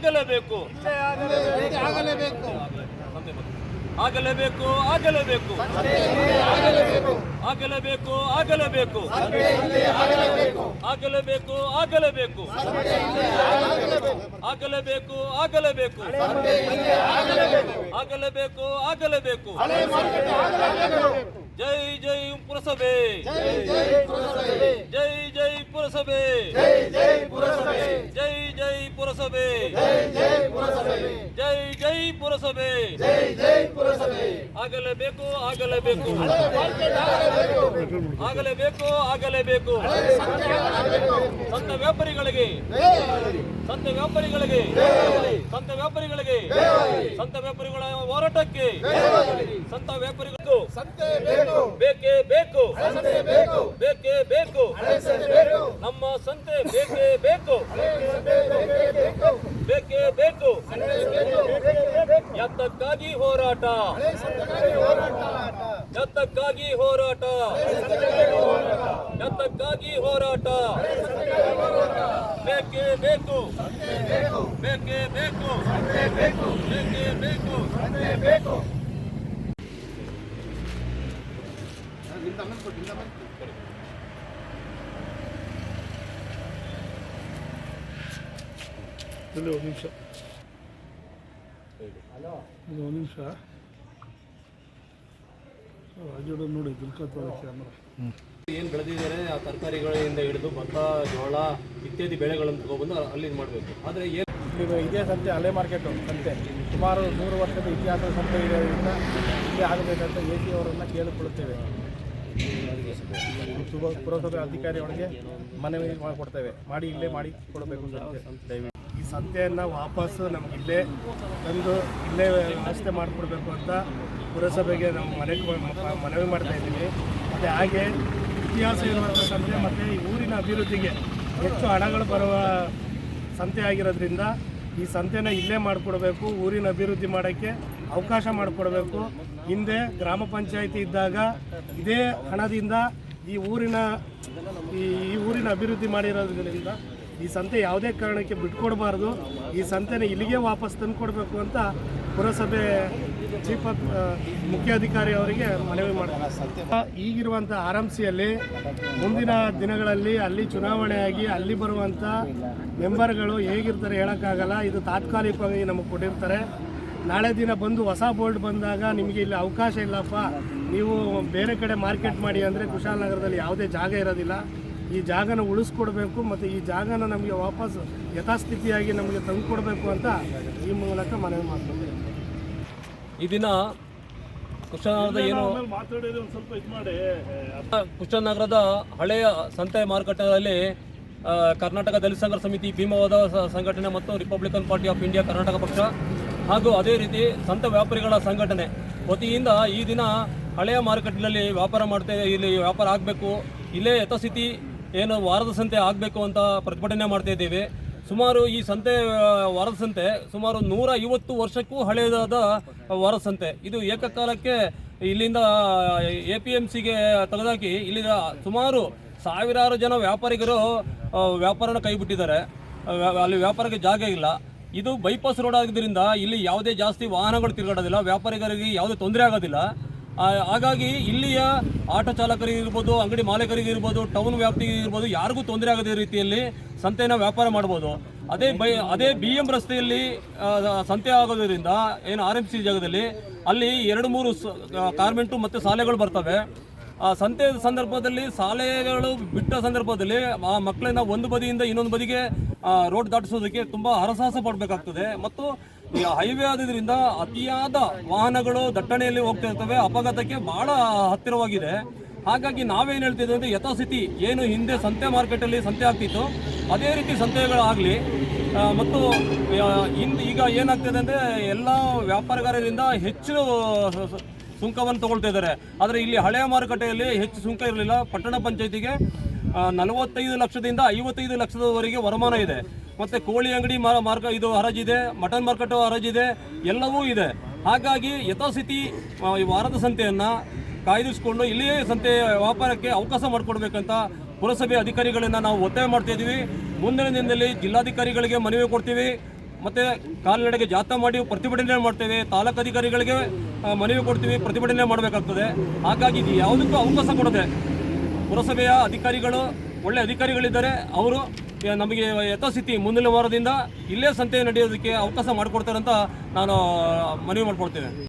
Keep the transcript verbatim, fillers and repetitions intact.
ಆಗಲೇಬೇಕು ಆಗಲೇಬೇಕು ಆಗಲೇಬೇಕು ಆಗಲೇಬೇಕು ಆಗಲೇಬೇಕು ಆಗಲೇಬೇಕು ಆಗಲೇಬೇಕು ಆಗಲೇಬೇಕು ಆಗಲೇಬೇಕು ಆಗಲೇಬೇಕು ಆಗಲೇಬೇಕು ಆಗಲೇಬೇಕು ಜೈ ಜೈ ಪುರಸಭೆ ಜೈ ಜೈ ಪುರಸಭೆ ಜೈ ಜೈ ಪುರಸಭೆ ಜೈ ಜೈ ಪುರಸಭೆ ಆಗಲೇಬೇಕು ಆಗಲೇಬೇಕು ಆಗಲೇಬೇಕು ಆಗಲೇಬೇಕು ಸಂತ ವ್ಯಾಪಾರಿಗಳಿಗೆ ಸಂತ ವ್ಯಾಪಾರಿಗಳಿಗೆ ಸಂತ ವ್ಯಾಪಾರಿಗಳಿಗೆ ಸಂತ ವ್ಯಾಪಾರಿಗಳ ಹೋರಾಟಕ್ಕೆ ಸಂತ ವ್ಯಾಪಾರಿಗಳಿಗೂ ಬೇಕೇ ಬೇಕು ಬೇಕೇ ಬೇಕು ನಮ್ಮ ಸಂತೆ ಬೇಕೇ ಬೇಕು ಬೇಕೇ ಬೇಕು ಎತ್ತಕ್ಕಾಗಿ ಹೋರಾಟ ಎತ್ತಕ್ಕಾಗಿ ಹೋರಾಟ ಎತ್ತಕ್ಕಾಗಿ ಹೋರಾಟ ಬೇಕೇ ಬೇಕು ಬೇಕೇ ಬೇಕು ಬೇಕೇ ಬೇಕು ಒಂದು ನಿಮಿಷ ಒಂದು ನಿಮಿಷ ರಾಜೋಡ ನೋಡಿ ದುಲ್ಕತ್ತೋದ ಕ್ಯಾಮ್ರಾ ಏನು ಬೆಳೆದಿದ್ದಾರೆ ಆ ತರಕಾರಿಗಳಿಂದ ಹಿಡಿದು ಭತ್ತ ಜೋಳ ಇತ್ಯಾದಿ ಬೆಳೆಗಳನ್ನು ತಗೊಬಂದು ಅಲ್ಲಿ ಮಾಡಬೇಕು. ಆದರೆ ಏನು ಇದು ಇದೇ ಸಂತೆ ಹಳೆ ಮಾರ್ಕೆಟು ಸಂತೆ ಸುಮಾರು ನೂರು ವರ್ಷದ ಇತಿಹಾಸದ ಸಂತೆ ಇರೋದ್ರಿಂದ ಇಲ್ಲೇ ಆಗಬೇಕಂತ ಎ ಸಿ ಅವರನ್ನು ಕೇಳಿಕೊಳ್ಳುತ್ತೇವೆ. ಸುಭ ಪುರಸಭೆ ಅಧಿಕಾರಿಗಳಿಗೆ ಮನವಿ ಮಾಡಿಕೊಡ್ತೇವೆ, ಮಾಡಿ ಇಲ್ಲೇ ಮಾಡಿ ಕೊಡಬೇಕು ದಯವಿಟ್ಟು. ಈ ಸಂತೆಯನ್ನು ವಾಪಸ್ಸು ನಮ್ಗೆ ಇಲ್ಲೇ ತಂದು ಇಲ್ಲೇ ವ್ಯವಸ್ಥೆ ಮಾಡಿಕೊಡ್ಬೇಕು ಅಂತ ಪುರಸಭೆಗೆ ನಾವು ಮನೆ ಮನವಿ ಮಾಡ್ತಾ ಇದ್ದೀವಿ. ಮತ್ತು ಹಾಗೆ ಇತಿಹಾಸ ಇರುವಂಥ ಸಂತೆ ಮತ್ತು ಈ ಊರಿನ ಅಭಿವೃದ್ಧಿಗೆ ಹೆಚ್ಚು ಹಣಗಳು ಬರುವ ಸಂತೆ ಆಗಿರೋದ್ರಿಂದ ಈ ಸಂತೆನ ಇಲ್ಲೇ ಮಾಡಿಕೊಡ್ಬೇಕು, ಊರಿನ ಅಭಿವೃದ್ಧಿ ಮಾಡೋಕ್ಕೆ ಅವಕಾಶ ಮಾಡಿಕೊಡ್ಬೇಕು. ಹಿಂದೆ ಗ್ರಾಮ ಪಂಚಾಯಿತಿ ಇದ್ದಾಗ ಇದೇ ಹಣದಿಂದ ಈ ಊರಿನ ಈ ಊರಿನ ಅಭಿವೃದ್ಧಿ ಮಾಡಿರೋದ್ರಿಂದ ಈ ಸಂತೆ ಯಾವುದೇ ಕಾರಣಕ್ಕೆ ಬಿಟ್ಕೊಡ್ಬಾರ್ದು. ಈ ಸಂತೆನ ಇಲ್ಲಿಗೆ ವಾಪಸ್ ತಂದು ಕೊಡಬೇಕು ಅಂತ ಪುರಸಭೆ ಚೀಫ್ ಮುಖ್ಯಾಧಿಕಾರಿ ಅವರಿಗೆ ಮನವಿ ಮಾಡ್ತಾರೆ. ಈಗಿರುವಂಥ ಆರ್ ಎಂ ಸಿಯಲ್ಲಿ ಮುಂದಿನ ದಿನಗಳಲ್ಲಿ ಅಲ್ಲಿ ಚುನಾವಣೆಯಾಗಿ ಅಲ್ಲಿ ಬರುವಂಥ ಮೆಂಬರ್ಗಳು ಹೇಗಿರ್ತಾರೆ ಹೇಳೋಕ್ಕಾಗಲ್ಲ. ಇದು ತಾತ್ಕಾಲಿಕವಾಗಿ ನಮಗೆ ಕೊಟ್ಟಿರ್ತಾರೆ. ನಾಳೆ ದಿನ ಬಂದು ಹೊಸ ಬೋರ್ಡ್ ಬಂದಾಗ ನಿಮಗೆ ಇಲ್ಲಿ ಅವಕಾಶ ಇಲ್ಲಪ್ಪ, ನೀವು ಬೇರೆ ಕಡೆ ಮಾರ್ಕೆಟ್ ಮಾಡಿ ಅಂದರೆ ಕುಶಾಲನಗರದಲ್ಲಿ ಯಾವುದೇ ಜಾಗ ಇರೋದಿಲ್ಲ. ಈ ಜಾಗನ ಉಳಿಸ್ಕೊಡ್ಬೇಕು ಮತ್ತು ಈ ಜಾಗನ ನಮಗೆ ವಾಪಸ್ ಯಥಾಸ್ಥಿತಿಯಾಗಿ ನಮಗೆ ತಂದುಕೊಡ್ಬೇಕು ಅಂತ ಈ ಮೂಲಕ ಮನವಿ ಮಾಡ್ತೀವಿ. ಈ ದಿನ ಕುಶಾಲನಗರದ ಏನು ಮಾತಾಡಿದ್ರೆ ಒಂದು ಸ್ವಲ್ಪ ಇದು ಮಾಡಿ ಕುಶಾಲನಗರದ ಹಳೆಯ ಸಂತೆ ಮಾರುಕಟ್ಟೆಯಲ್ಲಿ ಕರ್ನಾಟಕ ದಲಿತ ಸಂಘರ್ಷ ಸಮಿತಿ, ಭೀಮವಾದ ಸಂಘಟನೆ ಮತ್ತು Republican Party of India Karnataka ಪಕ್ಷ ಹಾಗೂ ಅದೇ ರೀತಿ ಸಂತ ವ್ಯಾಪಾರಿಗಳ ಸಂಘಟನೆ ವತಿಯಿಂದ ಈ ದಿನ ಹಳೆಯ ಮಾರುಕಟ್ಟೆಯಲ್ಲಿ ವ್ಯಾಪಾರ ಮಾಡ್ತಾ ಇಲ್ಲಿ ವ್ಯಾಪಾರ ಆಗಬೇಕು, ಇಲ್ಲೇ ಯಥಾಸ್ಥಿತಿ ಏನು ವಾರದ ಸಂತೆ ಆಗಬೇಕು ಅಂತ ಪ್ರತಿಭಟನೆ ಮಾಡ್ತಾ ಇದ್ದೇವೆ. ಸುಮಾರು ಈ ಸಂತೆ ವಾರದ ಸಂತೆ ಸುಮಾರು ನೂರ ಐವತ್ತು ವರ್ಷಕ್ಕೂ ಹಳೆಯದಾದ ವಾರದ ಸಂತೆ. ಇದು ಏಕಕಾಲಕ್ಕೆ ಇಲ್ಲಿಂದ ಎ ಪಿ ಎಮ್ ಸಿಗೆ ತೆಗೆದಾಕಿ ಇಲ್ಲಿ ಸುಮಾರು ಸಾವಿರಾರು ಜನ ವ್ಯಾಪಾರಿಗರು ವ್ಯಾಪಾರನ ಕೈಬಿಟ್ಟಿದ್ದಾರೆ. ಅಲ್ಲಿ ವ್ಯಾಪಾರಕ್ಕೆ ಜಾಗ ಇಲ್ಲ. ಇದು ಬೈಪಾಸ್ ರೋಡ್ ಆಗಿದ್ದರಿಂದ ಇಲ್ಲಿ ಯಾವುದೇ ಜಾಸ್ತಿ ವಾಹನಗಳು ತಿರುಗಾಡೋದಿಲ್ಲ, ವ್ಯಾಪಾರಿಗರಿಗೆ ಯಾವುದೇ ತೊಂದರೆ ಆಗೋದಿಲ್ಲ. ಹಾಗಾಗಿ ಇಲ್ಲಿಯ ಆಟೋ ಚಾಲಕರಿಗೆ ಇರ್ಬೋದು, ಅಂಗಡಿ ಮಾಲೀಕರಿಗೆ ಇರ್ಬೋದು, ಟೌನ್ ವ್ಯಾಪ್ತಿಗೆ ಇರ್ಬೋದು, ಯಾರಿಗೂ ತೊಂದರೆ ಆಗದ ರೀತಿಯಲ್ಲಿ ಸಂತೆನ ವ್ಯಾಪಾರ ಮಾಡ್ಬೋದು. ಅದೇ ಬೈ ಅದೇ ಬಿ ಎಂ ರಸ್ತೆಯಲ್ಲಿ ಸಂತೆ ಆಗೋದ್ರಿಂದ ಏನು ಆರ್ ಎಂ ಸಿ ಜಾಗದಲ್ಲಿ ಅಲ್ಲಿ ಎರಡು ಮೂರು ಕಾರ್ಮೆಂಟು ಮತ್ತು ಶಾಲೆಗಳು ಬರ್ತವೆ. ಆ ಸಂತೆ ಸಂದರ್ಭದಲ್ಲಿ ಶಾಲೆಗಳು ಬಿಟ್ಟ ಸಂದರ್ಭದಲ್ಲಿ ಆ ಮಕ್ಕಳನ್ನ ಒಂದು ಬದಿಯಿಂದ ಇನ್ನೊಂದು ಬದಿಗೆ ರೋಡ್ ದಾಟಿಸೋದಕ್ಕೆ ತುಂಬ ಹರಸಾಹಸ ಪಡಬೇಕಾಗ್ತದೆ. ಮತ್ತು ಹೈವೇ ಆದ್ರಿಂದ ಅತಿಯಾದ ವಾಹನಗಳು ದಟ್ಟಣೆಯಲ್ಲಿ ಹೋಗ್ತಾ ಇರ್ತವೆ, ಅಪಘಾತಕ್ಕೆ ಬಹಳ ಹತ್ತಿರವಾಗಿದೆ. ಹಾಗಾಗಿ ನಾವೇನು ಹೇಳ್ತಿದ್ವಿ ಅಂದರೆ ಯಥಾಸ್ಥಿತಿ ಏನು ಹಿಂದೆ ಸಂತೆ ಮಾರ್ಕೆಟಲ್ಲಿ ಸಂತೆ ಆಗ್ತಿತ್ತು ಅದೇ ರೀತಿ ಸಂತೆಗಳಾಗಲಿ. ಮತ್ತು ಇಂದು ಈಗ ಏನಾಗ್ತದೆ ಅಂದರೆ ಎಲ್ಲ ವ್ಯಾಪಾರಗಾರರಿಂದ ಹೆಚ್ಚು ಸುಂಕವನ್ನು ತಗೊಳ್ತಾ ಇದ್ದಾರೆ. ಆದರೆ ಇಲ್ಲಿ ಹಳೆಯ ಮಾರುಕಟ್ಟೆಯಲ್ಲಿ ಹೆಚ್ಚು ಸುಂಕ ಇರಲಿಲ್ಲ. ಪಟ್ಟಣ ಪಂಚಾಯತಿಗೆ ನಲವತ್ತೈದು ಲಕ್ಷದಿಂದ ಐವತ್ತೈದು ಲಕ್ಷದವರೆಗೆ ವರಮಾನ ಇದೆ. ಮತ್ತು ಕೋಳಿ ಅಂಗಡಿ ಮಾರ್ಕ ಇದು ಹರಾಜಿದೆ, ಮಟನ್ ಮಾರ್ಕೆಟ್ ಹರಾಜಿದೆ, ಎಲ್ಲವೂ ಇದೆ. ಹಾಗಾಗಿ ಯಥಾಸ್ಥಿತಿ ವಾರದ ಸಂತೆಯನ್ನು ಕಾಯ್ದಿರಿಸಿಕೊಂಡು ಇಲ್ಲಿಯೇ ಸಂತೆ ವ್ಯಾಪಾರಕ್ಕೆ ಅವಕಾಶ ಮಾಡಿಕೊಡ್ಬೇಕಂತ ಪುರಸಭೆ ಅಧಿಕಾರಿಗಳನ್ನು ನಾವು ಒತ್ತಾಯ ಮಾಡ್ತಾ ಇದ್ದೀವಿ. ಮುಂದಿನ ದಿನದಲ್ಲಿ ಜಿಲ್ಲಾಧಿಕಾರಿಗಳಿಗೆ ಮನವಿ ಕೊಡ್ತೀವಿ ಮತ್ತು ಕಾಲ್ನಡೆಗೆ ಜಾಥಾ ಮಾಡಿ ಪ್ರತಿಭಟನೆ ಮಾಡ್ತೇವೆ. ತಾಲೂಕು ಅಧಿಕಾರಿಗಳಿಗೆ ಆ, ಮನವಿ ಕೊಡ್ತೀವಿ, ಪ್ರತಿಭಟನೆ ಮಾಡಬೇಕಾಗ್ತದೆ. ಹಾಗಾಗಿ ಇದು ಯಾವುದಕ್ಕೂ ಅವಕಾಶ ಕೊಡದೆ ಪುರಸಭೆಯ ಅಧಿಕಾರಿಗಳು ಒಳ್ಳೆ ಅಧಿಕಾರಿಗಳಿದ್ದಾರೆ, ಅವರು ನಮಗೆ ಯಥಾಸ್ಥಿತಿ ಮುಂದಿನ ವಾರದಿಂದ ಇಲ್ಲೇ ಸಂತೆ ನಡೆಯೋದಕ್ಕೆ ಅವಕಾಶ ಮಾಡಿಕೊಡ್ತಾರೆ ಅಂತ ನಾನು ಮನವಿ ಮಾಡ್ಕೊಳ್ತೇನೆ.